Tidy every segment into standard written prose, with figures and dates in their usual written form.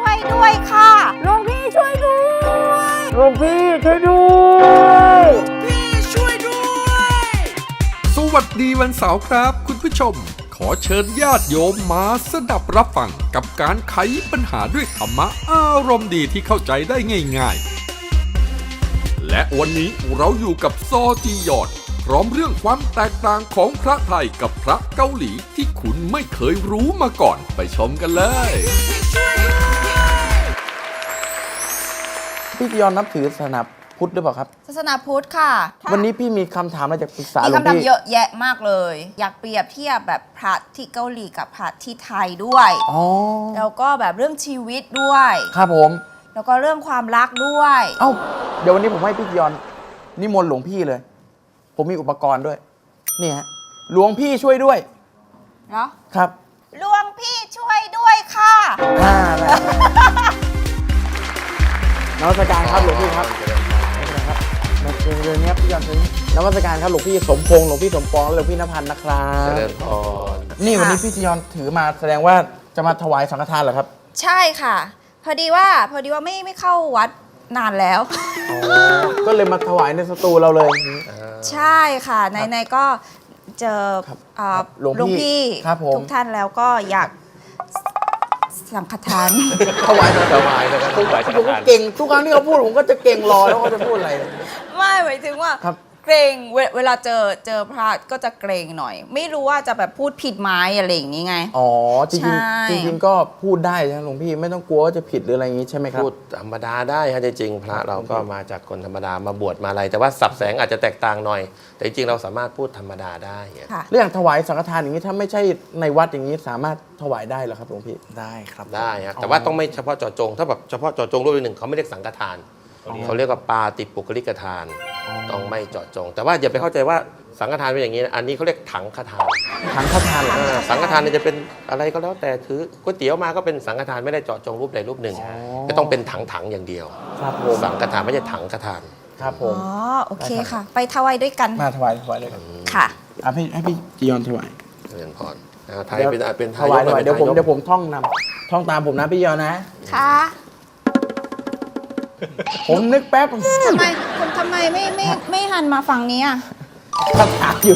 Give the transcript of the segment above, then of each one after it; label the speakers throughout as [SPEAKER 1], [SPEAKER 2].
[SPEAKER 1] ช่วยด้วยค่ะหลวงพี่ช่วยด้วย
[SPEAKER 2] หลวงพี่ช่วยด้วย
[SPEAKER 3] พี่ช่วยด้วย
[SPEAKER 4] สวัสดีวันเสาร์ครับคุณผู้ชม ขอเชิญญาติโยมมาสดับรับฟังกับการไขปัญหาด้วยธรรมะอารมณ์ดีที่เข้าใจได้ง่ายๆและวันนี้เราอยู่กับซอจียอนพร้อมเรื่องความแตกต่างของพระไทยกับพระเกาหลีที่คุณไม่เคยรู้มาก่อนไปชมกันเลย
[SPEAKER 2] พี่จียอนนับถือศาสนาพุทธหรือเปล่าครับ
[SPEAKER 1] ศาสนาพุทธค่ะ
[SPEAKER 2] วันนี้พี่มีคำถามอะไรจะปรึกษา
[SPEAKER 1] มี
[SPEAKER 2] หลวง
[SPEAKER 1] คำถาม
[SPEAKER 2] พี่
[SPEAKER 1] เยอะแยะมากเลย อยากเปรียบเทียบแบบพระที่เกาหลีกับพระที่ไทยด้วย
[SPEAKER 2] อ๋อ
[SPEAKER 1] แล้วก็แบบเรื่องชีวิตด้วย
[SPEAKER 2] ครับผม
[SPEAKER 1] แล้วก็เรื่องความรักด้วย
[SPEAKER 2] เอ้าเดี๋ยววันนี้ผมให้พี่จียอนนิมนต์หลวงพี่เลย ผมมีอุปกรณ์ด้วยนี่ฮะหลวงพี่ช่วยด้วย
[SPEAKER 1] เนาะ
[SPEAKER 2] ครับ
[SPEAKER 1] หลวงพี่ช่วยด้วยค่ะ
[SPEAKER 2] ได้นมัสการครับหลวงพี่ครับนะครับมาเชิญนี้ครับพี่จียอนเชิญนมัสการครับหลวงพี่สมพงษ์หลวงพี่สมปองและหลวงพี่นภันธ์นะครับ
[SPEAKER 5] เจริญพร
[SPEAKER 2] นี่วันนี้พี่จียอนถือมาแสดงว่าจะมาถวายสังฆทานเหรอครับ
[SPEAKER 1] ใช่ค่ะ พอดีว่าไม่เข้าวัดนานแล้ว
[SPEAKER 2] ก็เลยมาถวายในสตูเราเลย
[SPEAKER 1] ใช่ค่ะในก็เจอ
[SPEAKER 2] ครับ
[SPEAKER 1] หลวงพี่
[SPEAKER 2] ครับผม
[SPEAKER 1] ทุกท่านแล้วก็อยากสังฆทาน
[SPEAKER 2] ถวาย
[SPEAKER 5] สบายนะครับ
[SPEAKER 2] ผมก็เก่งทุกครั้งที่เขาพูดผมก็จะเก่งรอแล้วเขาจะพูดอะไร
[SPEAKER 1] ไม่หมายถึงว่า
[SPEAKER 2] ครับ
[SPEAKER 1] เกรงเวลาเจอพระก็จะเกรงหน่อย ไม่รู้ว่าจะแบบพูดผิดไหมอะไรอย่างนี้ไง
[SPEAKER 2] อ๋อจริง
[SPEAKER 1] ใช่
[SPEAKER 2] ๆจริงๆก็พูดได้นะหลวงพี่ไม่ต้องกลัวว่าจะผิดหรืออะไรอย่างนี้ใช่ไหมครับ
[SPEAKER 5] พูดธรรมดาได้ฮะจริงๆพระเราก็มาจากคนธรรมดามาบวชมาอะไร แต่ว่าสับแสงอาจจะแตกต่างหน่อย แต่จริงๆเราสามารถพูดธรรมดาได้
[SPEAKER 1] ค่ะ
[SPEAKER 2] เรื่องถวายสังฆทานอย่างนี้ถ้าไม่ใช่ในวัดอย่างนี้สามารถถวายได้เหรอครับหลวงพี่ได้ครับ
[SPEAKER 5] ได้ฮะแต่ว่าต้องไม่เฉพาะเจาะจง ถ้าแบบเฉพาะเจาะจงรูปหนึ่งเขาไม่เรียกสังฆทานเขาเรียกว่าปาติปุคลิกทาน ต้องไม่เจาะจง แต่ว่าอย่าไปเข้าใจว่าสังฆทานเป็นอย่างนี้นะอันนี้เขาเรียกถังฆทาน
[SPEAKER 2] ถังฆทานเหรอ
[SPEAKER 5] สังฆทานเนี่ยจะเป็นอะไรก็แล้วแต่ถือก๋วยเตี๋ยวมาก็เป็นสังฆทานไม่ได้เจาะจงรูปใดรูปหนึ่งก็ต้องเป็นถังๆอย่างเดียว
[SPEAKER 2] ครับผม
[SPEAKER 5] สังฆทานไม่ใช่ถังฆทาน
[SPEAKER 2] ครับผ
[SPEAKER 1] อ๋อ
[SPEAKER 2] ม
[SPEAKER 1] โอเคค่ะ ไปถวายด้วยกัน
[SPEAKER 2] มาถวายเลยครับ
[SPEAKER 1] ค่ะ
[SPEAKER 2] ให้พี่จียอนถวาย
[SPEAKER 5] เจริญพรไทยเป็น
[SPEAKER 2] ถ
[SPEAKER 5] ทาย
[SPEAKER 2] วาย
[SPEAKER 5] ก
[SPEAKER 2] ถวาย
[SPEAKER 5] ป็น
[SPEAKER 2] เดี๋ยวผม
[SPEAKER 5] ทายก
[SPEAKER 2] เดี๋ยวผมท่องตามผมนะพี่จียอนนะ
[SPEAKER 1] ค่ะ
[SPEAKER 2] ผมนึกแป๊บ
[SPEAKER 1] ทำไมไม่หันมาฝั่งนี้อ่ะ
[SPEAKER 2] คำถามอยู่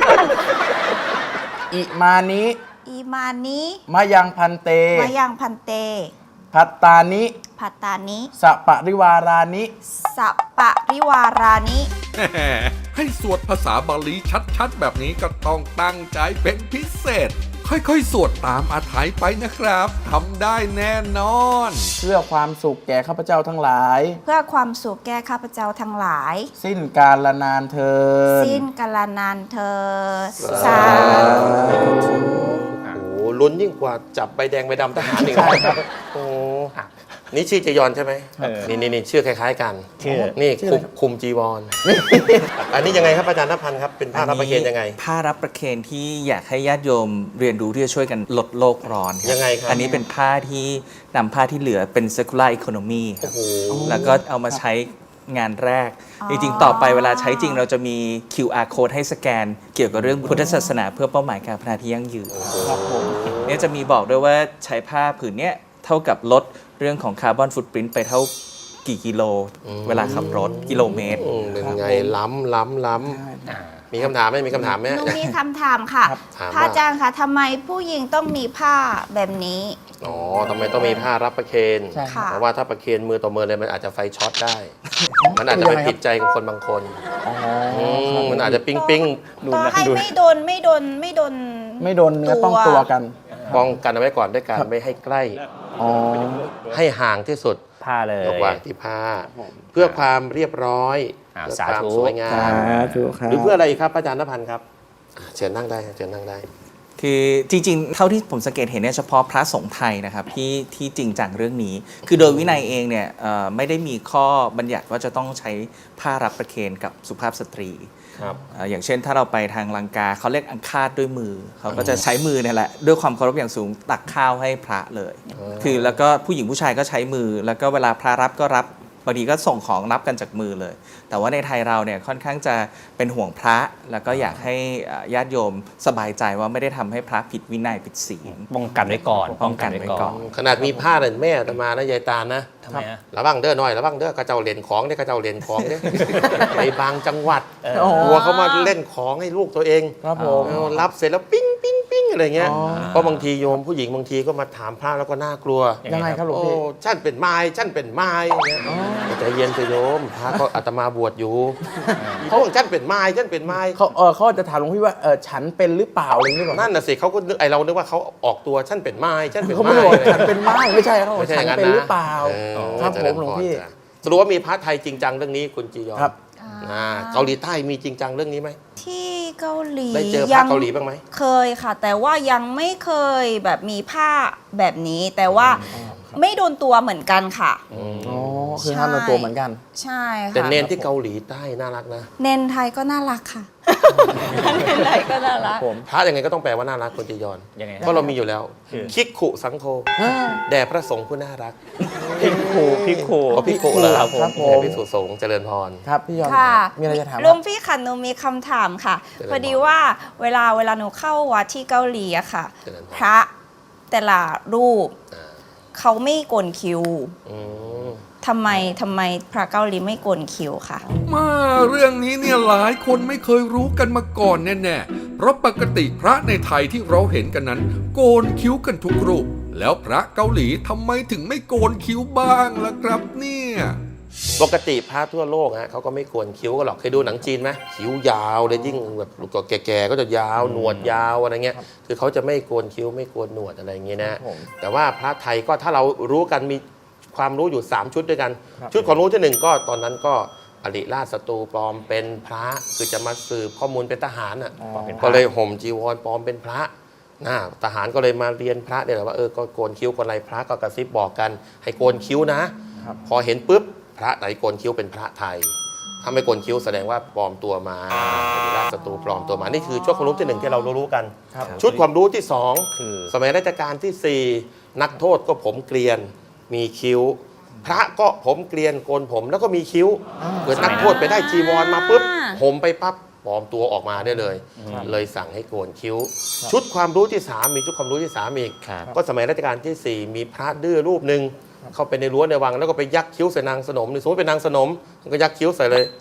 [SPEAKER 2] อิมานิ
[SPEAKER 1] อีมานี้
[SPEAKER 2] มายังพันเต
[SPEAKER 1] มายังพันเต
[SPEAKER 2] พัตตานิ
[SPEAKER 1] พัตตานิ
[SPEAKER 2] สปะริวารานิ
[SPEAKER 1] สัปปะริวารานิ
[SPEAKER 4] ให้สวดภาษาบาลีชัดๆแบบนี้ก็ต้องตั้งใจเป็นพิเศษ ค่อยๆสวดตามอาทัยไปนะครับทำได้แน่นอน
[SPEAKER 2] เพื่อความสุขแก่ข้าพเจ้าทั้งหลาย
[SPEAKER 1] เพื่อความสุขแก่ข้าพเจ้าทั้งหลาย
[SPEAKER 2] สิ้นกาลนานเทิน
[SPEAKER 1] สิ้นกาลนานเธอญ
[SPEAKER 5] สาธุ โอ้โหลุ้นยิ่งกว่าจับใบแดงใบดำทหารอีกนะครับโอ้นี่ชื่อจียอนใช่ไหมนี่ชื่อคล้ายๆกันนี่คุมจีวรอันนี้ยังไงครับอาจารย์ณพันธ์ครับเป็นผ้ารับประเคนยังไง
[SPEAKER 6] ผ้ารับประเคนที่อยากให้ญาติโยมเรียนรู้ที่จะช่วยกันลดโลกร้อนครับ
[SPEAKER 5] ยังไงครับ
[SPEAKER 6] อันนี้เป็นผ้าที่นำผ้าที่เหลือเป็น circular economy ครับ
[SPEAKER 5] โอ้โห
[SPEAKER 6] แล้วก็เอามาใช้งานแรก จริงๆ ต่อไปเวลาใช้จริงเราจะมี QR code ให้สแกน เกี่ยวกับเรื่องพุทธศาสนาเพื่อเป้าหมายการพัฒนาที่ยั่งยืน
[SPEAKER 2] ครับผม
[SPEAKER 6] เนี่ยจะมีบอกด้วยว่าใช้ผ้าผืนเนี้ยเท่ากับลดเรื่องของคาร์บอนฟุตปรินต์ไปเท่ากี่กิโล เวลาขับรถกิโลเมตร
[SPEAKER 5] เป็นไงล้ำมีคำถามไหมมีคำถามไหม
[SPEAKER 1] หนูมีคำถามค่ะ
[SPEAKER 5] ถาม
[SPEAKER 1] พระอาจารย์คะทำไมผู้หญิงต้องมีผ้าแบบนี้
[SPEAKER 5] อ๋อทำไมต้องมีผ้ารับประเคน
[SPEAKER 2] ใช่
[SPEAKER 1] ค่ะ
[SPEAKER 5] เพราะว่าถ้าประเคนมือต่อมือเลยมันอาจจะไฟช็อตได้ มันอาจจะไปผิดใจกับคนบางคน
[SPEAKER 2] อ๋อ
[SPEAKER 5] มันอาจจะปิ้ง
[SPEAKER 1] ต่อให้ไม่โดน
[SPEAKER 2] ไม่โดนเนื้อต้องตัวกัน
[SPEAKER 5] ป้องกันเอาไว้ก่อนด้วยการไม่ให้ใกล้
[SPEAKER 2] อ๋อ
[SPEAKER 5] ให้ห่างที่สุด
[SPEAKER 7] ผ้าเลย
[SPEAKER 5] ยกวางที่ผ้า เพื่อความเรียบร้อย
[SPEAKER 7] อ่า
[SPEAKER 5] เพื่อ
[SPEAKER 7] สา
[SPEAKER 5] ความ
[SPEAKER 7] ธุ
[SPEAKER 5] สวยงาม
[SPEAKER 2] ถูกครับ
[SPEAKER 5] หรือเพื่ออะไรอีกครับอาจารย์ณพันธ์ครับเชิญนั่งได้เชิญนั่งได้
[SPEAKER 6] คือจริงๆ เท่าที่ผมสังเกตเห็นเนี่ยเฉพาะพระสงฆ์ไทยนะครับที่จริงจังเรื่องนี้ คือโดยวินัยเองเนี่ยไม่ได้มีข้อบัญญัติว่าจะต้องใช้ผ้ารับประเคนกับสุภาพสตรี
[SPEAKER 5] ครับ
[SPEAKER 6] อย่างเช่นถ้าเราไปทางลังกาเขาเรียกอังคาดด้วยมือ เขาก็จะใช้มือเนี่ยแหละด้วยความเคารพอย่างสูงตักข้าวให้พระเลย คือแล้วก็ผู้หญิงผู้ชายก็ใช้มือ แล้วก็เวลาพระรับก็รับบางทีก็ส่งของรับกันจากมือเลย แต่ว่าในไทยเราเนี่ยค่อนข้างจะเป็นห่วงพระแล้วก็อยากให้ญาติโยมสบายใจว่าไม่ได้ทำให้พระผิดวินัยผิดศีล
[SPEAKER 7] ป้องกันไว้ก่อน
[SPEAKER 6] ป้องกันไว้ก่อน
[SPEAKER 5] ขนาดมีผ้าเนี่ยแม่อาตมานะยายตาลนะ
[SPEAKER 7] ทำไมฮะ
[SPEAKER 5] ระวังเด้อหน่อยระวังเด้อกระเจ้าเหรียญของเนี่ยกระเจ้าเหรียญของเนี่ย ในบางจังหวัด
[SPEAKER 2] อ๋อ
[SPEAKER 5] กลัวเขามาเล่นของให้ลูกตัวเอง
[SPEAKER 2] ครับผม
[SPEAKER 5] รับเสร็จแล้วปิ้งปิ้งปิ้งอะไรเงี้ย
[SPEAKER 2] อ๋อ
[SPEAKER 5] เพราะบางทีโยมผู้หญิงบางทีก็มาถามพระแล้วก็น่ากลัว
[SPEAKER 2] ยังไงครับหลวง
[SPEAKER 5] โอ้
[SPEAKER 2] พี่
[SPEAKER 5] ฉันเป็นไม้ฉันเป็นไม้เนี่ยใจเย็นเถอะโยมพระก็อาตมาบวชอยู่เขาบอกฉันเป็นไม้ฉันเป็นไม้
[SPEAKER 2] เขาจะถามหลวงพี่ว่าฉันเป็นหรือเปล่าอะไรอย่างนี้หรือเปล่า
[SPEAKER 5] นั่นน่ะสิเขาก็นึกไอเรานึกว่าเขาออกตัวฉันเป็นไม้ฉันเป็น
[SPEAKER 2] เขา
[SPEAKER 5] ไม้
[SPEAKER 2] ไม่ได้บอกฉันเป็นไม้ไม่ใช่เขาบอก
[SPEAKER 5] ไม่ใช่
[SPEAKER 2] ฉั
[SPEAKER 5] อน ย่างนั้น
[SPEAKER 2] เป็น
[SPEAKER 5] นะ
[SPEAKER 2] หรือเปล่า ครับผมหลวงพี่
[SPEAKER 5] สรุปว่ามีพระไทยจริงจังเรื่องนี้คุณจียอน
[SPEAKER 2] ครับ
[SPEAKER 5] เกาหลีใต้มีจริงจังเรื่องนี้ไหม
[SPEAKER 1] ที่เกาหลี
[SPEAKER 5] ได้เจอพระเกาหลีบ้างไหม
[SPEAKER 1] เคยค่ะ แต่ว่ายังไม่เคยแบบมีผ้าแบบนี้ แต่ว่าไม่โดนตัวเหมือนกันค่ะ
[SPEAKER 2] อ๋อคือห้ามโดนตัวเหมือนกัน
[SPEAKER 1] ใช่ค่ะ
[SPEAKER 5] แต่เนนที่เกาหลีใต้น่ารักนะ
[SPEAKER 1] เนนไทยก็น่ารักค่ะ เนนไทยก็น่ารัก
[SPEAKER 5] พระยังไงก็ต้องแปลว่าน่ารักคุณจียอน
[SPEAKER 7] ยังไงฮะ
[SPEAKER 5] เพราะเรามีอยู่แล้ว
[SPEAKER 7] คือ
[SPEAKER 5] คิกขุสังโฆแด่พระสงฆ์ผู้น่ารัก
[SPEAKER 7] พี่ครู
[SPEAKER 5] เขาพิกขุเหรอ
[SPEAKER 2] ครับผม
[SPEAKER 5] แด่พิสุสงฆ์เจริญพร
[SPEAKER 2] ครับพี่ยอน
[SPEAKER 1] ค่ะ
[SPEAKER 2] มีอะไรจะถาม
[SPEAKER 1] หลวงพี่ค่ะหนูมีคำถามค่ะ
[SPEAKER 5] เจริญพร
[SPEAKER 1] พอดีว่าเวลาหนูเข้าวัดที่เกาหลีอะค่ะ
[SPEAKER 5] เจริญพร
[SPEAKER 1] พระแต่ละรูป
[SPEAKER 5] อ่า
[SPEAKER 1] เขาไม่โกนคิ้ว
[SPEAKER 5] อืม
[SPEAKER 1] ทำไมพระเกาหลีไม่โกนคิ้วค่ะ
[SPEAKER 4] มาเรื่องนี้เนี่ยหลายคนไม่เคยรู้กันมาก่อนแน่ๆ เพราะปกติพระในไทยที่เราเห็นกันนั้น โกนคิ้วกันทุกรูป แล้วพระเกาหลีทำไมถึงไม่โกนคิ้วบ้างล่ะครับเนี่ย
[SPEAKER 5] ปกติพระทั่วโลกฮะเขาก็ไม่โกนคิ้วกันหรอกเคยดูหนังจีนไหมคิ้วยาวเลยยิ่งแบบแก่ๆก็จะยาวหนวดยาวอะไรเงี้ยคือเขาจะไม่โกนคิ้วไม่โกนหนวดอะไรอย่างเงี้ยนะ
[SPEAKER 2] ผม
[SPEAKER 5] แต่ว่าพระไทยก็ถ้าเรารู้กันมีความรู้อยู่ 3 ชุดด้วยกัน
[SPEAKER 2] ครับ
[SPEAKER 5] ชุดความรู้ที่ 1 ก็ตอนนั้นก็อริราชศัตรูปลอมเป็นพระคือจะมาสืบข้อมูลเป็นทหารอ่ะ ก็เลยห่มจีวรปลอมเป็นพระนะทหารก็เลยมาเรียนพระเนี่ยแหละว่าก็โกนคิ้วคนไรพระก็กระซิบบอกกัน ให้โกนคิ้วนะ
[SPEAKER 2] ครับ
[SPEAKER 5] พอเห็นปุ๊บพระไหนโกนคิ้วเป็นพระไทย ถ้าไม่โกนคิ้วแสดงว่าปลอมตัวมาอริราชศัตรูปลอมตัวมานี่คือชุดความรู้ที่ 1 ที่เรารู้กัน
[SPEAKER 2] ครับ
[SPEAKER 5] ชุดความรู้ที่
[SPEAKER 7] คือ
[SPEAKER 5] 2 สมัยรัชกาลที่ 4 นักโทษก็ผมเกลียนมีคิ้ว พระก็ผมเกลียนโกนผมแล้วก็มีคิ้วเกิดนักโทษไปได้จีวรมาปุ๊บผมไปปั๊บปลอมตัวออกมาได้เลย เลยสั่งให้โกนคิ้ว ชุดความรู้ที่ 3 มีชุดความรู้ที่ 3 อีก
[SPEAKER 7] ครับ
[SPEAKER 5] ก็สมัยรัชกาลที่ 4 มีพระดื้อรูปหนึ่งเข้าไปในรั้วในวังแล้วก็ไปยักคิ้วใส่นางสนมสมมติเป็นนางสนมก็ยักคิ้วใส่เลย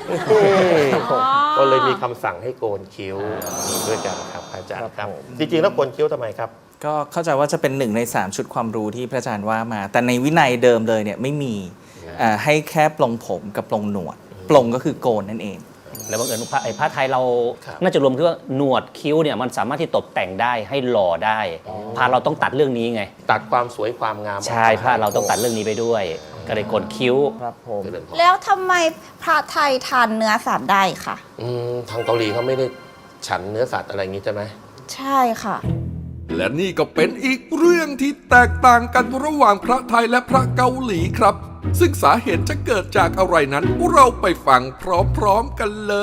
[SPEAKER 5] ก็เลยมีคำสั่งให้โกนคิ้วนี่ด้วยกันครับอาจารย์ครับจริงๆแล้วโกนคิ้วทำไมครับ
[SPEAKER 6] ก็เข้าใจว่าจะเป็น1 ใน 3 ชุดความรู้ที่พระอาจารย์ว่ามา แต่ในวินัยเดิมเลยเนี่ยไม่มีให้แค่ปลงผมกับปลงหนวด ปลงก็คือโกนนั่นเอง
[SPEAKER 7] แล้วบังเอิญพระไทยเรา
[SPEAKER 5] ครับ
[SPEAKER 7] น่าจะรวมที่ว่าหนวดคิ้วเนี่ยมันสามารถที่ตกแต่งได้ให้หล่อได้พระเราต้องตัดเรื่องนี้ไง
[SPEAKER 5] ตัดความสวยความงาม
[SPEAKER 7] ใช่พระเราต้องตัดเรื่องนี้ไปด้วย ก็เลยโกนคิ้ว
[SPEAKER 2] ครับผม
[SPEAKER 5] เจริญพร
[SPEAKER 1] แล้วทำไมพระไทยทานเนื้อสัตว์ได้ค่ะ
[SPEAKER 5] ทางเกาหลีเขาไม่ได้ฉันเนื้อสัตว์อะไรอย่างนี้ใช่ไหม
[SPEAKER 1] ใช่ค่ะ
[SPEAKER 4] และนี่ก็เป็นอีกเรื่องที่แตกต่างกันระหว่างพระไทยและพระเกาหลีครับ ซึ่งสาเหตุจะเกิดจากอะไรนั้นเราไปฟังพร้อมๆกันเลย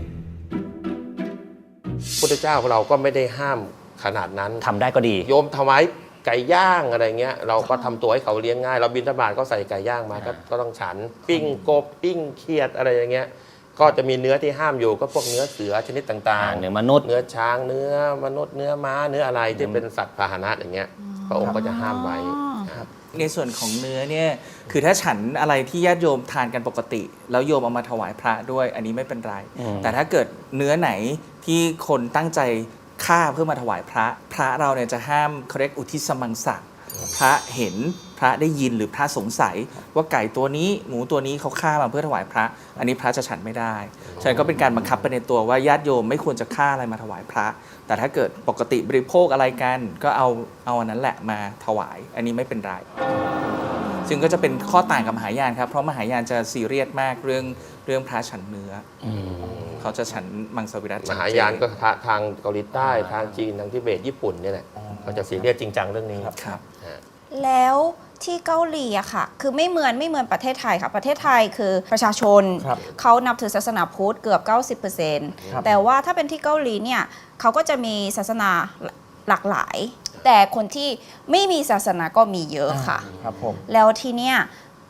[SPEAKER 5] พุทธเจ้าเราก็ไม่ได้ห้ามขนาดนั้น
[SPEAKER 7] ทำได้ก็ดี
[SPEAKER 5] โยมถวายไก่ย่างอะไรเงี้ยเราก็ทำตัวให้เขาเลี้ยงง่าย เราบิณฑบาตก็ใส่ไก่ย่างมาก็ต้องฉัน ปิ้งกบปิ้งเขียดอะไรอย่างเงี้ยก็จะมีเนื้อที่ห้ามอยู่ก็พวกเนื้อเสือชนิดต่างๆ
[SPEAKER 7] เนื้อมนุษย์
[SPEAKER 5] เนื้อช้างเนื้อมนุษย์เนื้อม้าเนื้ออะไรที่เป็นสัตว์พาหนะอย่างเงี้ยพระองค์ก็จะห้ามไว้ครับ
[SPEAKER 6] ในส่วนของเนื้อเนี่ยคือถ้าฉันอะไรที่ญาติโยมทานกันปกติ แล้วโยมเอามาถวายพระด้วยอันนี้ไม่เป็นไร แต่ถ้าเกิดเนื้อไหนที่คนตั้งใจฆ่าเพื่อมาถวายพระเราเนี่ยจะห้ามเขาเรียกอุทิศสมังสะพระเห็นพระได้ยินหรือพระสงสัย ว่าไก่ตัวนี้หมูตัวนี้เขาฆ่ามาเพื่อถวายพระ อันนี้พระจะฉันไม่ได้ฉะนั้นก็เป็นการบังคับไปในตัวว่าญาติโยมไม่ควรจะฆ่าอะไรมาถวายพระ แต่ถ้าเกิดปกติบริโภคอะไรกันก็เอาอันนั้นแหละมาถวาย อันนี้ไม่เป็นไร ซึ่งก็จะเป็นข้อต่างกับมหายานครับเพราะมหายานจะซีเรียสมากเรื่องพระฉันเนื้ออเขาจะฉันมังสวิรัติ
[SPEAKER 5] มหายานก็ทางเกาหลีใต้ทางจีนทางทิเบตญี่ปุ่นเนี่ยแหละเขาจะซีเรียสจริงจังเรื่องนี้
[SPEAKER 6] ครับ
[SPEAKER 1] แล้วที่เกาหลีอะค่ะ คือไม่เหมือนประเทศไทยค่ะ ประเทศไทยคือประชาชน
[SPEAKER 2] ครับ
[SPEAKER 1] เขานับถือศาสนาพุทธเกือบ
[SPEAKER 2] ครับ
[SPEAKER 1] 90%แต่ว่าถ้าเป็นที่เกาหลีเนี่ยเขาก็จะมีศาสนาหลากหลาย แต่คนที่ไม่มีศาสนาก็มีเยอะค่ะ
[SPEAKER 2] ครับผม
[SPEAKER 1] แล้วทีเนี้ย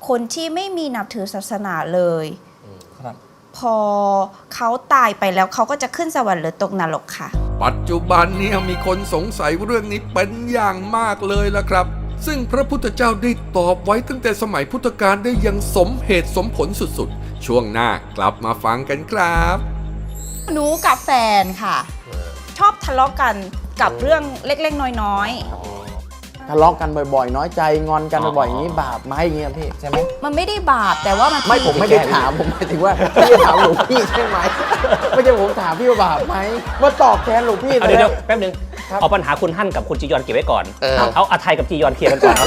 [SPEAKER 1] คนที่ไม่มีนับถือศาสนาเลย
[SPEAKER 2] ครับ
[SPEAKER 1] พอเขาตายไปแล้วเขาก็จะขึ้นสวรรค์หรือตกนรกค่ะ
[SPEAKER 4] ปัจจุบันเนี่ยมีคนสงสัยเรื่องนี้เป็นอย่างมากเลยล่ะครับ ซึ่งพระพุทธเจ้าได้ตอบไว้ตั้งแต่สมัยพุทธกาลได้อย่างสมเหตุสมผลสุดๆ ช่วงหน้ากลับมาฟังกันครับ
[SPEAKER 1] หนูกับแฟนค่ะ ชอบทะเลาะกันกับเรื่องเล็กๆน้อย
[SPEAKER 2] ทะเลาะกันบ่อยๆ น้อยใจงอนกันบ่อยๆอย่างนี้บาปไหมอย่างเงี้ยพี่ใช่ไหม
[SPEAKER 1] ๆ มันไม่ได้บาปแต่ว่ามัน
[SPEAKER 2] ไม่ผมไม่ได้ถามผมหมายถึงว่าพี่ถามหลวงพี่ใช่ไหมไม่ใช่ผมถามพี่ว่าบาปไหมมาตอบแทนหลวงพี่
[SPEAKER 7] เอาเดี๋ยวแป๊บนึงเอาปัญหาคุณฮั่นกับคุณจียอนเก็บไว้ก่อน เอาอาไทยกับจียอนเคลียร์กันก่อนครับ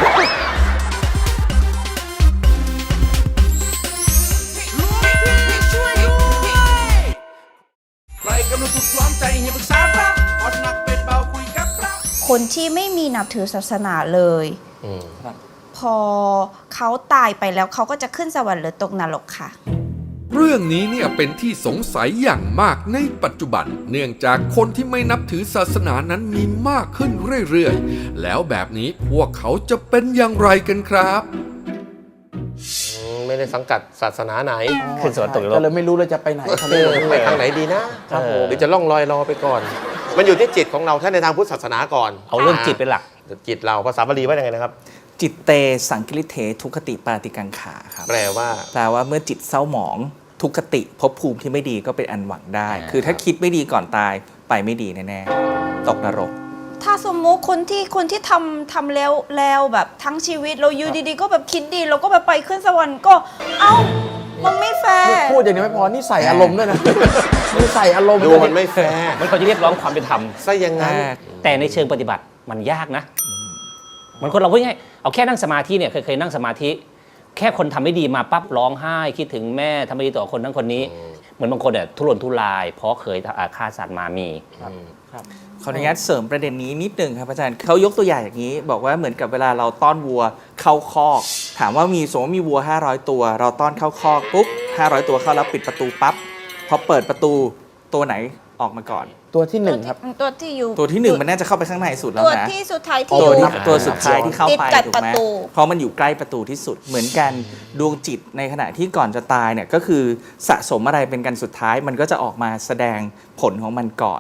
[SPEAKER 3] ช่วยด้วยใครกำลังถูกล้อมใจให้ปรึกษาพระอดหนักเป็นเบาคุยกับพระ
[SPEAKER 1] คนที่ไม่มีนับถือศาสนาเลย พอเขาตายไปแล้วเขาก็จะขึ้นสวรรค์หรือตกนรกค่ะ
[SPEAKER 4] เรื่องนี้เนี่ยเป็นที่สงสัยอย่างมากในปัจจุบัน เนื่องจากคนที่ไม่นับถือศาสนานั้นมีมากขึ้นเรื่อยๆ แล้วแบบนี้พวกเขาจะเป็นอย่างไรกันครับ
[SPEAKER 5] ไม่ได้สังกัดศาสนาไหน
[SPEAKER 7] ขึ้นสวรรค์ตกนรก
[SPEAKER 2] ก็เลยไม่รู้เลยจะไปไหนครับพี่
[SPEAKER 5] ไปทางไหนดีนะครับ
[SPEAKER 7] ผม
[SPEAKER 5] หรือจะล่องลอยรอไปก่อน มันอยู่ที่จิตของเราถ้าในทางพุทธศาสนาก่อน
[SPEAKER 7] เอาเรื่องจิตเป็นหลัก
[SPEAKER 5] จิตเราภาษาบาลีว่ายังไงนะครับ
[SPEAKER 6] จิตเตสังกิริเททุกขติปาติกังขาครับ
[SPEAKER 5] แปลว่า
[SPEAKER 6] แปลว่าเมื่อจิตเศร้าหมองทุกขติภพภูมิที่ไม่ดีก็เป็นอันหวังได้ คือถ้าคิดไม่ดีก่อนตายไปไม่ดีแน่ๆตกนรก
[SPEAKER 1] ถ้าสมมุติคนที่ทำแล้วแบบทั้งชีวิตเราอยู่ดีๆ ก็แบบคิดดีเราก็แบบไปขึ้นสวรรค์ก็เอ้ามันไม่แฟร์
[SPEAKER 2] พูดอย่างนี้ไม่พอนี่ใส่อารมณ์ด้วยนะนี่ใส่อารมณ์
[SPEAKER 5] ดู
[SPEAKER 2] ด้วย
[SPEAKER 5] มันไม่แฟร์
[SPEAKER 7] มันเขาจะเรียกร้องความเป็นธรรม
[SPEAKER 5] ซะอย่างนั้น
[SPEAKER 7] แต่ในเชิงปฏิบัติมันยากนะ มันคนเราพูดง่ายเอาแค่นั่งสมาธิเนี่ยเคยนั่งสมาธิ แค่คนทำไม่ดีมาปั๊บร้องไห้คิดถึงแม่ทำไม่ดีต่อคนนั้นคนนี้ เหมือนบางคนเนี่ยทุรนทุราย เพราะเคยฆ่าสัตว์มามี
[SPEAKER 6] ขออนุญาตเสริมประเด็นนี้นิดนึงครับอาจารย์เขายกตัวอย่างอย่างนี้ บอกว่าเหมือนกับเวลาเราต้อนวัวเข้าคอก ถามว่าสมมติมีวัว500ตัวเราต้อนเข้าคอกปุ๊บ500ตัวเข้าแล้วปิดประตูปั๊บพอเปิดประตูตัวไหนออกมาก่อน
[SPEAKER 2] ตัวที่หนึ่งครับ
[SPEAKER 1] ตัวที่อยู่
[SPEAKER 6] ตัวที่หนึ่งมันน่าจะเข้าไปข้างในสุดแล้ว
[SPEAKER 1] ตัว
[SPEAKER 6] นะ
[SPEAKER 1] ที่สุดท้ายที่
[SPEAKER 6] ตัว
[SPEAKER 1] อยู่
[SPEAKER 6] ที่ตัวสุดท้ายที่เข้า
[SPEAKER 1] ติด
[SPEAKER 6] ไป
[SPEAKER 1] กับ
[SPEAKER 6] ถูก
[SPEAKER 1] ประ
[SPEAKER 6] ไหม
[SPEAKER 1] ตู
[SPEAKER 6] เพราะมันอยู่ใกล้ประตูที่สุดเหมือนกันดวงจิตในขณะที่ก่อนจะตายเนี่ยก็คือสะสมอะไรเป็นกันสุดท้ายมันก็จะออกมาแสดงผลของมันก่อน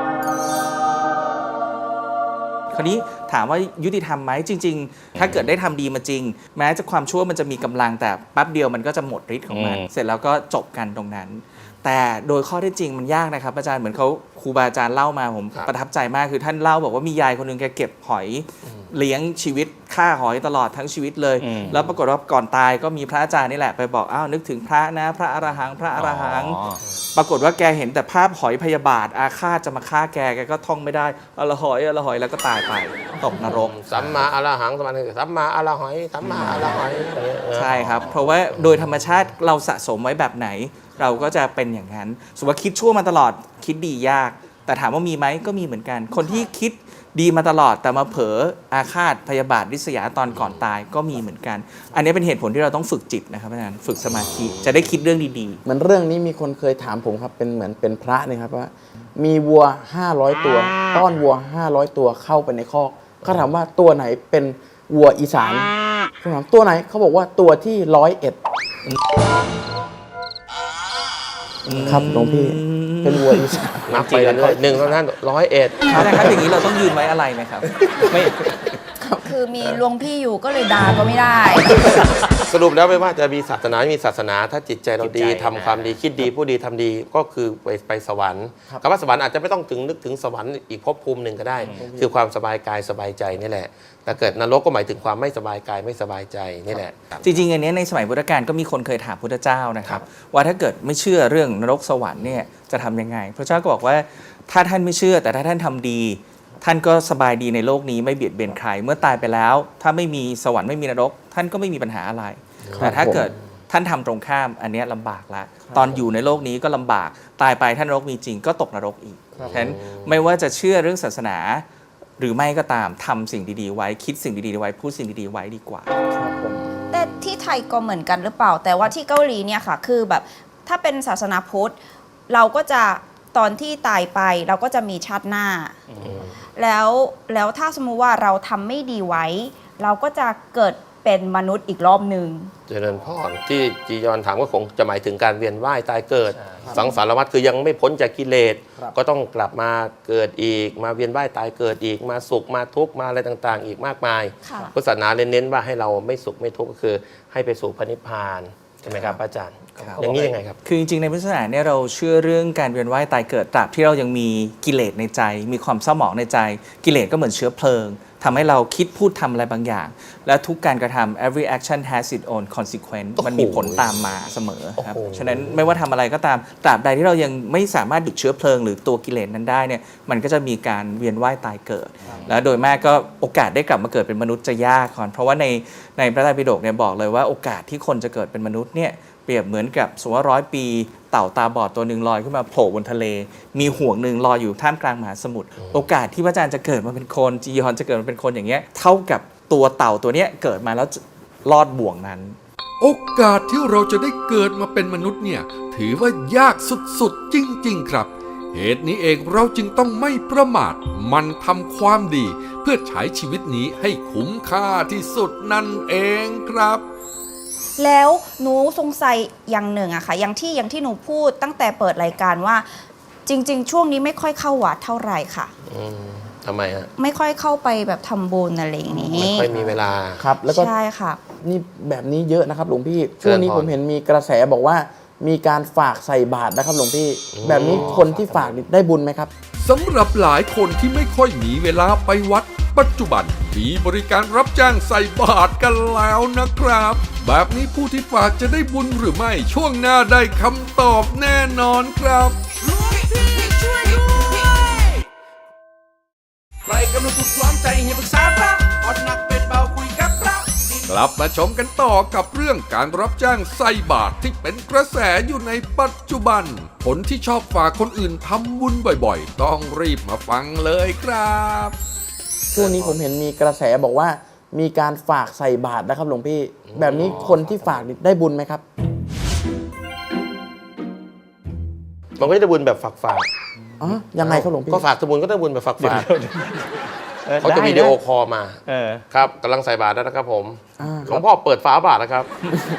[SPEAKER 6] คราวนี้ถามว่ายุติธรรมไหมจริง ๆ ถ้าเกิดได้ทำดีมาจริง แม้จะความชั่วมันจะมีกำลังแต่แป๊บเดียวมันก็จะหมดฤทธิ์ของมัน เสร็จแล้วก็จบกันตรงนั้น แต่โดยข้อเท็จจริงมันยากนะครับอาจารย์เหมือนเขาครูบาอาจารย์เล่ามาผม
[SPEAKER 5] ครับ
[SPEAKER 6] ประทับใจมากคือท่านเล่าบอกว่ามียายคนหนึงแกเก็บหอยเลี้ยงชีวิตฆ่าหอยตลอดทั้งชีวิตเลย แล้วปรากฏว่าก่อนตายก็มีพระอาจารย์นี่แหละไปบอกอ้าวนึกถึงพระนะพระอรหังพระอรหัง ปรากฏว่าแกเห็นแต่ภาพหอยพยาบาทอาฆาตจะมาฆ่าแกก็ท่องไม่ได้อละหอยอละหอยแล้วก็ตายไปตกนรก
[SPEAKER 5] สัมมาอรหังสัมมาอรหอยสัมมาอรหอยอย่างเงี้ย
[SPEAKER 6] ใช่ครับ เพราะว่าโดยธรรมชาติเราสะสมไว้แบบไหน เราก็จะเป็นอย่างนั้นสมมติว่าคิดชั่วมาตลอดคิดดียาก แต่ถามว่ามีไหมก็มีเหมือนกัน คนที่คิดดีมาตลอดแต่มาเผลออาฆาตพยาบาทริษยาตอนก่อนตายก็มีเหมือนกัน อันนี้เป็นเหตุผลที่เราต้องฝึกจิตนะครับอาจารย์ฝึกสมาธิจะได้คิดเรื่องดี
[SPEAKER 2] เหมือนเรื่องนี้มีคนเคยถามผมครับเป็นเหมือนเป็นพระเนี่ยครับว่า มีวัว500ตัวต้อนวัว500ตัวเข้าไปในคอกเขาถามว่าตัวไหนเป็นวัวอีสานผมถามตัวไหนเขาบอกว่าตัวที่101ครับหลวงพี่เป็นวัวอีสาน
[SPEAKER 5] นับไปเรื่อยๆหนึ่งเท่านั้น101
[SPEAKER 6] ๆอาจารย์ครับอย่างนี้เราต้องยืนไว้อะไรไหมครับ
[SPEAKER 7] ไม่
[SPEAKER 1] คือมีหลวงพี่อยู่ก็เลยด่าก็ไม่ได้
[SPEAKER 5] สรุปแล้วไม่ว่าจะมีศาสนาไม่มีศาสนา ถ้าจิตใจเราดี
[SPEAKER 7] จิตใจ
[SPEAKER 5] ทำความดีคิดดีผู้ดีทำดีก็คือไปสวรรค์คำว่าสวรรค์อาจจะไม่ต้องนึกถึงสวรรค์อีกภพภูมิหนึ่งก็ได้ คือความสบายกายสบายใจนี่แหละ แต่เกิดนรกก็หมายถึงความไม่สบายกายไม่สบายใจนี่แหละ
[SPEAKER 6] จริงๆ อันนี้ในสมัยพุทธกาลก็มีคนเคยถามพุทธเจ้านะครับว่าถ้าเกิดไม่เชื่อเรื่องนรกสวรรค์เนี่ยจะทำยังไงพระเจ้าก็บอกว่าถ้าท่านไม่เชื่อแต่ถ้าท่านทำดี ท่านก็สบายดีในโลกนี้ไม่เบียดเบียนใครเมื่อตายไปแล้ว ถ้าไม่มีสวรรค์ไม่มีนรก ท่านก็ไม่มีปัญหาอะไร แต่ถ้าเกิดท่านทำตรงข้ามอันเนี้ยลำบากละตอนอยู่ในโลกนี้ก็ลำบากตายไปท่านนรกมีจริงก็ตกนรกอีกฉะนั้นไม่ว่าจะเชื่อเรื่องศาสนา หรือไม่ก็ตามทำสิ่งดีๆไว้คิดสิ่งดีๆไว้พูดสิ่งดีๆไว้ดีกว่า
[SPEAKER 1] แต่ที่ไทยก็เหมือนกันหรือเปล่า แต่ว่าที่เกาหลีเนี่ยค่ะ คือแบบถ้าเป็นศาสนาพุทธเราก็จะตอนที่ตายไปเราก็จะมีชาติหน้า แล้วถ้าสมมุติว่าเราทำไม่ดีไว้ เราก็จะเกิดเป็นมนุษย์อีกรอบหนึ่ง
[SPEAKER 5] เจริญพรที่จียอนถามก็คงจะหมายถึงการเวียนว่ายตายเกิด สังสารวัฏคือยังไม่พ้นจากกิเลส ก็ต้องกลับมาเกิดอีก มาเวียนว่ายตายเกิดอีก มาสุขมาทุกข์มาอะไรต่างๆ อีกมากมาย
[SPEAKER 1] ค่ะ
[SPEAKER 5] พุทธศาสนาเน้นว่าให้เราไม่สุขไม่ทุกข์ก็คือให้ไปสู่พระนิพพานใช่ไหมครับอาจารย์
[SPEAKER 6] ครับ
[SPEAKER 5] อย่างนี้ยังไงครับ
[SPEAKER 6] คือจริงๆในพุทธศาสนาเนี่ยเราเชื่อเรื่องการเวียนว่ายตายเกิดตราบที่เรายังมีกิเลสในใจ มีความเศร้าหมองในใจ กิเลสก็เหมือนเชื้อเพลิงทำให้เราคิดพูดทำอะไรบางอย่าง และทุกการกระทำ every action has its own consequence มันมีผลตามมาเสมอครับ
[SPEAKER 5] โอ้โห
[SPEAKER 6] ฉะนั้นไม่ว่าทำอะไรก็ตามตราบใดที่เรายังไม่สามารถหยุดเชื้อเพลิงหรือตัวกิเลสนั้นได้เนี่ยมันก็จะมีการเวียนว่ายตายเกิด แล้วโดยมากก็โอกาสได้กลับมาเกิดเป็นมนุษย์จะยากก่อนเพราะว่าในพระไตรปิฎกเนี่ยบอกเลยว่าโอกาสที่คนจะเกิดเป็นมนุษย์เนี่ยเปรียบเหมือนกับสมมติว่า100 ปีเต่าตาบอดตัวหนึ่งลอยขึ้นมาโผล่บนทะเล มีห่วงหนึ่งลอยอยู่ท่ามกลางมหาสมุทรโอกาสที่พระอาจารย์จะเกิดมาเป็นคนจียอนจะเกิดมาเป็นคนอย่างเงี้ยเท่ากับตัวเต่าตัวเนี้ยเกิดมาแล้วรอดบ่วงนั้น
[SPEAKER 4] โอกาสที่เราจะได้เกิดมาเป็นมนุษย์เนี่ยถือว่ายากสุดๆจริงๆครับ เหตุนี้เองเราจึงต้องไม่ประมาทมันทำความดี เพื่อใช้ชีวิตนี้ให้คุ้มค่าที่สุดนั่นเองครับ
[SPEAKER 1] แล้วหนูสงสัยอย่างหนึ่งอะค่ะอย่างที่หนูพูดตั้งแต่เปิดรายการว่าจริง ๆ ช่วงนี้ไม่ค่อยเข้าวัดเท่าไหร่ค่ะ
[SPEAKER 5] ทำไมฮะ
[SPEAKER 1] ไม่ค่อยเข้าไปแบบทำบุญอะไรอย่างนี้
[SPEAKER 5] ไม่ค่อยมีเวลา
[SPEAKER 2] ครับ แล้วก็
[SPEAKER 1] ใช่ค่ะ
[SPEAKER 2] นี่แบบนี้เยอะนะครับหลวงพี่ ช่วงนี้ผมเห็นมีกระแสบอกว่า มีการฝากใส่บาตรนะครับหลวงพี่ แบบนี้คนที่ฝากนี่ได้บุญไหมครับ
[SPEAKER 4] สำหรับหลายคนที่ไม่ค่อยมีเวลาไปวัด ปัจจุบันมีบริการรับจ้างใส่บาตรกันแล้วนะครับ แบบนี้ผู้ที่ฝากจะได้บุญหรือไม่ช่วงหน้าได้คำตอบแน่นอนครับ
[SPEAKER 3] ใครกำลังถูกล้อมใจให้ปรึกษาพระอ่อนหนักเป็นเบาคุยกับพระ
[SPEAKER 4] กลับมาชมกันต่อกับเรื่องการรับจ้างใส่บาตรที่เป็นกระแสอยู่ในปัจจุบัน คนที่ชอบฝากคนอื่นทำบุญบ่อยๆ ต้องรีบมาฟังเลยครับ
[SPEAKER 2] ช่วงนี้ผมเห็นมีกระแสบอกว่า มีการฝากใส่บาตรนะครับหลวงพี่ แบบนี้คนที่ฝากนี่ได้บุญไหมครับ
[SPEAKER 5] มันก็จะได้บุญแบบฝาก
[SPEAKER 2] อ๋อ ยังไงครับหลวงพี่
[SPEAKER 5] ก็ฝากสมุนก็ได้บุญแบบฝากเขาจะวิดีโอคอลมาครับกำลังใส่บาตรแล้วนะครับผม หลวงพ่อเปิดฝาบาตรนะครับ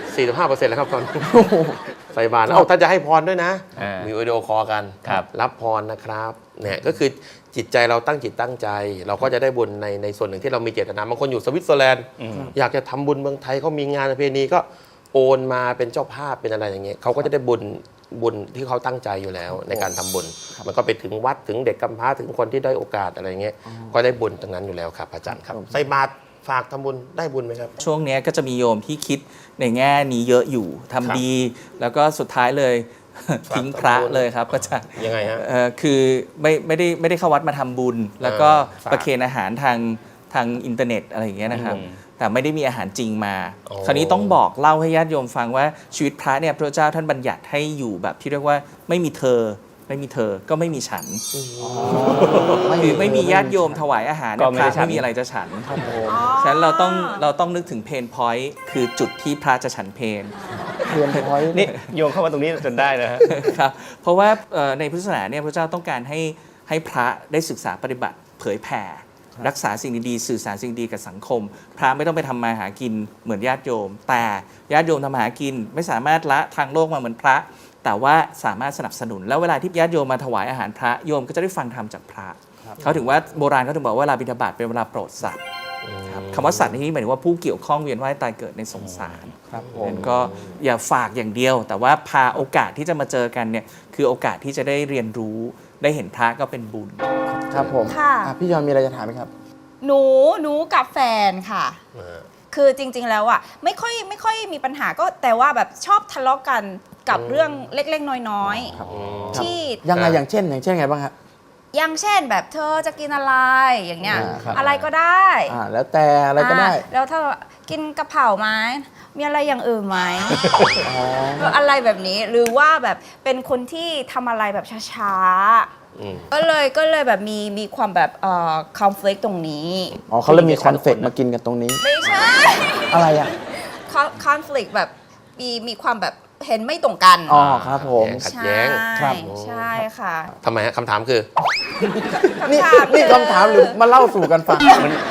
[SPEAKER 5] 45%แล้วครับตอนนี้ใส่บาตรเอาถ้าจะให้พรด้วยนะ มีวิดีโอคอลกัน รับพรนะครับเนี่ยก็คือจิตใจเราตั้งจิตตั้งใจ เราก็จะได้บุญในส่วนหนึ่งที่เรามีเจตนาบางคนอยู่สวิตเซอร์แลนด์อยากจะทำบุญเมืองไทยเขามีงานประเพณีก็โอนมาเป็นเจ้าภาพเป็นอะไรอย่างเงี้ยเขาก็จะได้บุญที่เขาตั้งใจอยู่แล้วในการทำบุญ มันก็ไปถึงวัดถึงเด็กกำพร้าถึงคนที่ได้อยโอกาสอะไรเงี้ยก็ได้บุญตรงนั้นอยู่แล้วครับอาจารย์ครับใส่บาตรฝากทำบุญได้บุญไหมครับ
[SPEAKER 6] ช่วงนี้ก็จะมีโยมที่คิดในแง่นี้เยอะอยู่ทำดี แล้วก็สุดท้ายเลย ทิ้งพระเลยครับก็จะ
[SPEAKER 5] ยังไงฮะ
[SPEAKER 6] คือไม่ได้เข้าวัดมาทำบุญ แล้วก็ประเคนอาหารทางอินเทอร์เน็ตอะไรอย่างเงี้ยนะครับ แต่ไม่ได้มีอาหารจริงมา คราวนี้ต้องบอกเล่าให้ญาติโยมฟังว่าชีวิตพระเนี่ยพระเจ้าท่านบัญญัติให้อยู่แบบที่เรียกว่าไม่มีเธอก็ไม่มีฉันคือไม่มีญาติโยมถวายอาหารเนี่ยพระไม่มีอะไรจะฉันฉะนั้นเราต้องนึกถึงเพนพอยต์คือจุดที่พระจะฉันเพน
[SPEAKER 7] นี่โยงเข้ามาตรงนี้จนได้นะฮะ
[SPEAKER 6] ครับเพราะว่าในพุทธศาสนาเนี่ยพระเจ้าต้องการให้พระได้ศึกษาปฏิบัติเผยแผ่รักษาสิ่งดีๆสื่อสารสิ่งดีกับสังคม พระไม่ต้องไปทำมาหากินเหมือนญาติโยม แต่ญาติโยมทำมาหากินไม่สามารถละทางโลกมาเหมือนพระ แต่ว่าสามารถสนับสนุนแล้วเวลาที่ญาติโยมมาถวายอาหารพระโยมก็จะได้ฟังธรรมจากพระเขาถึงว่าโบราณเขาถึงบอกว่าเวลาบิณฑบาตเป็นเวลาโปรดสัตว์ครับคำว่าสัตว์ในที่นี้หมายถึงว่าผู้เกี่ยวข้องเวียนว่ายตายเกิดในสงสารครับผมก็อย่าฝากอย่างเดียว แต่ว่าพาโอกาสที่จะมาเจอกันเนี่ยคือโอกาสที่จะได้เรียนรู้ได้เห็นพระก็เป็นบุญ
[SPEAKER 2] ครับผม
[SPEAKER 1] ค่ะ
[SPEAKER 2] พี่ยอนมีอะไรจะถามไหมครับ
[SPEAKER 1] หนูกับแฟนค่ะ คือจริงๆแล้วอะไม่ค่อยมีปัญหาก็แต่ว่าแบบชอบทะเลาะกันกับเรื่องเล็กๆน้อยๆที่
[SPEAKER 2] ยังไงอย่างเช่นไงบ้างครับ
[SPEAKER 1] อย่างเช่นแบบเธอจะกินอะไรอย่างเงี้ย
[SPEAKER 2] ครับ
[SPEAKER 1] อะไรก็ได้
[SPEAKER 2] แล้วแต่อะไรก็ได้
[SPEAKER 1] แล้วถ้ากินกะเพราไหมมีอะไรอย่างอื่นไหมอะไรแบบนี้หรือว่าแบบเป็นคนที่ทำอะไรแบบช้าๆก็เลยแบบมีความแบบconflict ตรงนี้
[SPEAKER 2] อ๋อเขาเลยมีคอนเฟกต์มากินกันตรงนี้
[SPEAKER 1] ไม่ใช่
[SPEAKER 2] อะไรอ่ะ
[SPEAKER 1] conflict แบบมีความแบบเห็นไม่ตรงกัน
[SPEAKER 2] อ๋อครับผม
[SPEAKER 5] ขัดแย้ง
[SPEAKER 2] ครับ
[SPEAKER 1] ใช่ค่ะ
[SPEAKER 5] ทำไมฮะคำถามคือ
[SPEAKER 2] นี่คำถามหรือมาเล่าสู่กันฟัง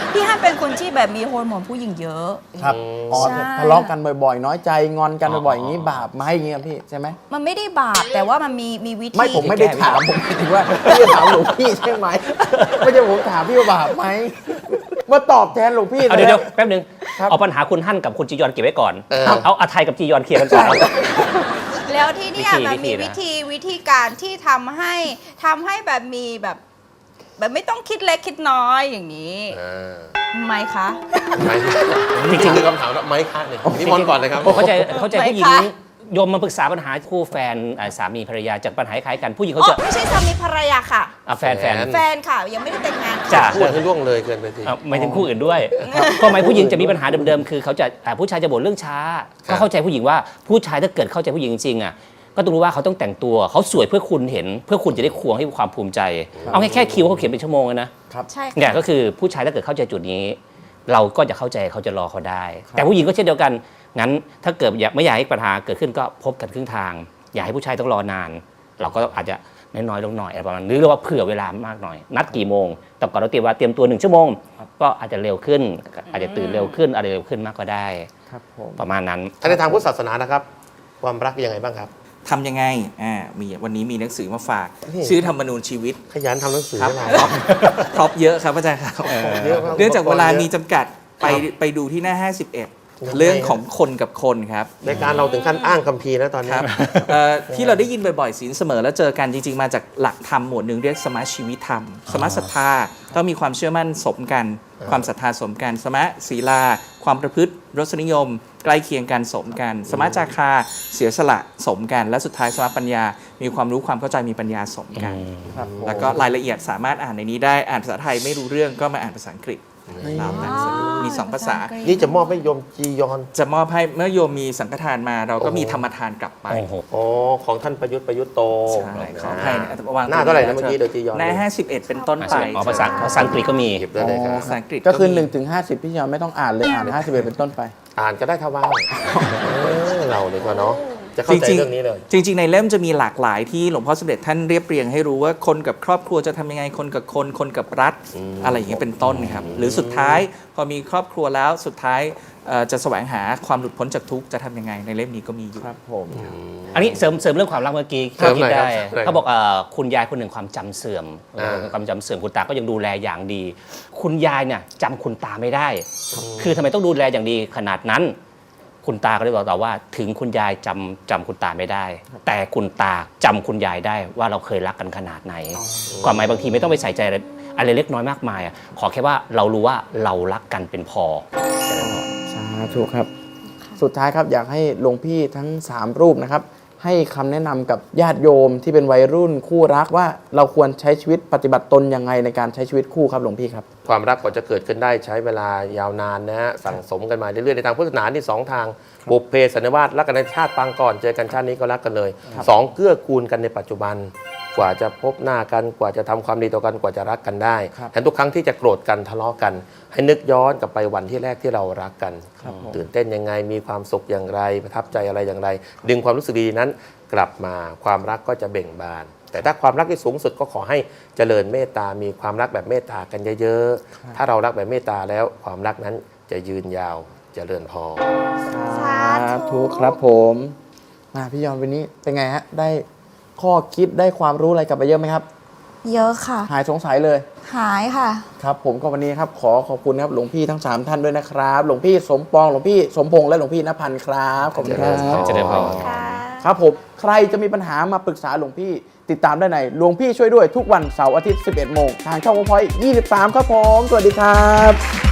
[SPEAKER 1] พี่ฮั่นเป็นคนที่แบบมีฮอร์โมนผู้หญิงเยอะ
[SPEAKER 2] ครับอ๋อ
[SPEAKER 1] ใช่
[SPEAKER 2] ทะเลาะกันบ่อยๆ น้อยใจงอนกันบ่อยๆอย่างนี้บาปไหมอย่างนี้ครับพี่ใช่ไหม
[SPEAKER 1] มันไม่ได้บาปแต่ว่ามันมีวิธี
[SPEAKER 2] ไม่ผมไม่ได้ถามผมหมายถึงว่าพี่จะถามหลวงพี่ใช่ไหมไม่ใช่ผมถามพี่ว่าบาปไหมมาตอบแทนหลวงพี่
[SPEAKER 7] เอาเดี๋ยวแป๊บนึง
[SPEAKER 2] ครับ
[SPEAKER 7] เอาปัญหาคุณฮั่นกับคุณจียอนเก็บไว้ก่อน
[SPEAKER 5] ครับ
[SPEAKER 7] เอาอาไทยกับจียอนเคลียร์กันก่อน
[SPEAKER 1] แล้วที่เนี่ย
[SPEAKER 7] วิธี
[SPEAKER 1] มันมี
[SPEAKER 7] วิธีนะ
[SPEAKER 1] วิธีการที่ทำให้แบบมีแบบไม่ต้องคิดเล็กคิดน้อยอย่างนี้
[SPEAKER 5] อ่า
[SPEAKER 1] ทำไมคะ
[SPEAKER 5] ไม้จริงๆคือคำถามว่าไม้คะเนี่ยนี่มอนต์ก่อนเลยครับ
[SPEAKER 7] เข้าใจผู้หญิง
[SPEAKER 1] ไหมคะ
[SPEAKER 7] โยมมาปรึกษาปัญหาคู่แฟนสามีภรรยาจากปัญหาคล้ายกันผู้หญิง
[SPEAKER 1] อ๋
[SPEAKER 7] เขา
[SPEAKER 1] อ
[SPEAKER 7] จะ
[SPEAKER 1] ไม่ใช่สามีภรรยาค่ะ
[SPEAKER 7] แฟน
[SPEAKER 1] แฟนค่ะ ยังไม่ได้แต่งงานค่ะ
[SPEAKER 7] จ้ะ
[SPEAKER 5] พูดให้ล่วงเลยเกินไปที
[SPEAKER 7] หมายถึงคู่อื่นด้วยก็หมายผู้หญิงจะมีปัญหาเดิมๆคือเขาจะผู้ชายจะบ่นเรื่องช้า
[SPEAKER 5] ครับ
[SPEAKER 7] ก็เข้าใจผู้หญิงว่าผู้ชายถ้าเกิดเข้าใจผู้หญิงจริงๆอ่ะก็ต้องรู้ว่าเขาต้องแต่งตัวเขาสวยเพื่อคุณเห็น เพื่อคุณจะได้ควงให้ความภูมิใจ เอาแค่คิวเขาเขียนเป็นชั่วโมงเลยนะ
[SPEAKER 1] ใช่
[SPEAKER 7] เนี่ย
[SPEAKER 1] ค่ะ
[SPEAKER 7] ก็คือผู้ชายถ้าเกิดเข้าใจจุดนี้ เราก็จะเข้าใจเขาจะรอเขาได้ แต่ผู้หญิงก็เช่นเดียวกันงั้นถ้าเกิดไม่อยากให้ปัญหาเกิดขึ้นก็พบกันครึ่งทาง อย่าให้ผู้ชายต้องรอนาน เราก็อาจจะน้อยๆลงหน่อยอะไรประมาณนั้นหรือว่าเผื่อเวลามากหน่อย นัดกี่โมงแต่ก่อนเราเตรียมตัว1 ชั่วโมง ก็อาจจะเร็วขึ้น อาจจะตื่นเร็วขึ้นอะไรเร็วขึ้นมากก็ได้
[SPEAKER 2] ครับผม
[SPEAKER 7] ประมาณนั้น
[SPEAKER 5] ถ้าในทางพุทธศาสนานะครับ ความรักเป็นยังไงบ้างครับ
[SPEAKER 6] ทำยังไงวันนี้มีหนังสือมาฝาก
[SPEAKER 5] นี่
[SPEAKER 6] ชื่อธรรมนูญชีวิต
[SPEAKER 5] ขยันทำหนังสือ
[SPEAKER 6] ครับ
[SPEAKER 5] ให้
[SPEAKER 6] ค
[SPEAKER 5] เรา
[SPEAKER 6] รอบเยอะครับอาจารย์ครับ
[SPEAKER 5] เยอะมาก
[SPEAKER 6] เนื่องจากเวลามี
[SPEAKER 5] อุปกรณ์เยอะ
[SPEAKER 6] จำกัดไปดูที่หน้า 51 เรื่องของคนกับคนครับ
[SPEAKER 5] ในการเราถึงขั้นอ้างคัมภีร์แล้วตอนนี้
[SPEAKER 6] ครับที่เราได้ยินบ่อยๆศีลเสมอแล้วเจอกันจริงๆ มาจากหลักธรรมหมวดหนึ่งเรียกสมะชีวิตธรรม สมะศรัทธาต้องมีความเชื่อมั่นสมกัน ความศรัทธาสมกัน สมะศีลา ความประพฤติรสนิยม ใกล้เคียงกันสมกัน สมะจาคาเสียสละสมกัน และสุดท้ายสมะปัญญา มีความรู้ความเข้าใจมีปัญญาสมกัน
[SPEAKER 2] ครับผม
[SPEAKER 6] แล้วก็รายละเอียดสามารถอ่านในนี้ได้อ่านภาษาไทยไม่รู้เรื่องก็มาอ่านภาษาอังกฤษแล้วแต่สะดวกมี2ภาษา
[SPEAKER 5] นี่จะมอบให้โยมจียอน
[SPEAKER 6] จะมอบให้เมื่อโยมมีสังฆทานมาเราก็มีธรรมทานกลับไป
[SPEAKER 7] โอ้โห
[SPEAKER 5] อ๋อของท่านประยุทธ์โต
[SPEAKER 6] ใช่ขออภัยนะวาง
[SPEAKER 5] หน้าเท่าไหร่นะเมื่อกี้เดี๋ยวจียอน
[SPEAKER 6] หน้า51 เป็นต้นไป
[SPEAKER 7] อ๋อภาษาอังกฤษก็มี
[SPEAKER 5] หยิบได้เลยครับ
[SPEAKER 6] ภาษาอังกฤษ
[SPEAKER 2] ก็คือ
[SPEAKER 6] มี
[SPEAKER 2] 1 ถึง 50 พี่ยอนไม่ต้องอ่านเลยอ่าน 51 เป็นต้นไป
[SPEAKER 5] อ่านก็ได้ถ้าว่างเราดีกว่าเนาะจะเข้าใจเรื่องนี้เลย
[SPEAKER 6] จริงๆ ในเล่มจะมีหลากหลายที่หลวงพ่อสมเด็จท่านเรียบเรียงให้รู้ว่าคนกับครอบครัวจะทำยังไงคนกับคนกับรัฐอะไรอย่างเงี้ยเป็นต้นครับหรือสุดท้ายพอมีครอบครัวแล้วสุดท้ายจะแสวงหาความหลุดพ้นจากทุกข์จะทำยังไงในเล่มนี้ก็มีอยู่
[SPEAKER 2] ครับผม
[SPEAKER 7] อันนี้เสริมเรื่องความรักเมื่อกี้
[SPEAKER 5] เสริมหน่
[SPEAKER 7] คิ
[SPEAKER 5] อย
[SPEAKER 7] ด
[SPEAKER 5] ครับ
[SPEAKER 7] ได้
[SPEAKER 5] เสริมหน่อย
[SPEAKER 7] เขาบอกคุณยายคนหนึ่งความจำเสื่อม ความจำเสื่อมคุณตาก็ยังดูแลอย่างดี คุณยายเนี่ยจำคุณตาไม่ได้ คือทำไมต้องดูแลอย่างดีขนาดนั้น คุณตาก็เลยบอกต่อว่าถึงคุณยายจำคุณตาไม่ได้ แต่คุณตาจำคุณยายได้ว่าเราเคยรักกันขนาดไหนความหมายบางทีไม่ต้องไปใส่ใจอะไรเล็กน้อยมากมายขอแค่ว่าเรารู้ว่าเรารักกันเป็นพอ
[SPEAKER 2] สาธุครับ สุดท้ายครับอยากให้หลวงพี่ทั้ง 3 รูปนะครับ ให้คำแนะนำกับญาติโยมที่เป็นวัยรุ่นคู่รักว่าเราควรใช้ชีวิตปฏิบัติตนยังไงในการใช้ชีวิตคู่ครับหลวงพี่ครับ
[SPEAKER 5] ความรักกว่าจะเกิดขึ้นได้ใช้เวลายาวนานนะฮะสั่งสมกันมาเรื่อยๆในทางพุทธศาสนาที่2 ทางบุพเพสันนิวาสรักกันในชาติปางก่อนเจอกันชาตินี้ก็รักกันเลย 2 เกื้อกูลกันในปัจจุบัน กว่าจะพบหน้ากันกว่าจะทำความดีต่อกันกว่าจะรักกันได้
[SPEAKER 2] ครับ
[SPEAKER 5] แทนทุกครั้งที่จะโกรธกันทะเลาะกัน ให้นึกย้อนกลับไปวันที่แรกที่เรารักกัน
[SPEAKER 2] ครับผม
[SPEAKER 5] ตื่นเต้นยังไงมีความสุขอย่างไรประทับใจอะไรอย่างไร ดึงความรู้สึกดีนั้นกลับมาความรักก็จะเบ่งบาน แต่ถ้าความรักที่สูงสุดก็ขอให้เจริญเมตตา มีความรักแบบเมตตากันเยอะๆ ถ้าเรารักแบบเมตตาแล้วความรักนั้นจะยืนยาวเจริญพร
[SPEAKER 2] สาธุครับผมมาพี่ยอนวันนี้เป็นไงฮะได้ข้อคิดได้ความรู้อะไรกลับไปเยอะไหมครับ
[SPEAKER 1] เยอะค่ะ
[SPEAKER 2] หายสงสัยเลย
[SPEAKER 1] หายค่ะ
[SPEAKER 2] ครับผมก็วันนี้ครับขอบคุณครับหลวงพี่ทั้ง 3 ท่านด้วยนะครับหลวงพี่สมปองหลวงพี่สมพงษ์และหลวงพี่ณพันธ์ครับขอบคุณครับ
[SPEAKER 7] เจริญพร
[SPEAKER 2] ครับผมใครจะมีปัญหามาปรึกษาหลวงพี่ติดตามได้ในหลวงพี่ช่วยด้วยทุกวันเสาร์อาทิตย์ 11 โมงทางช่องวงพอย23 ครับผมสวัสดีครับ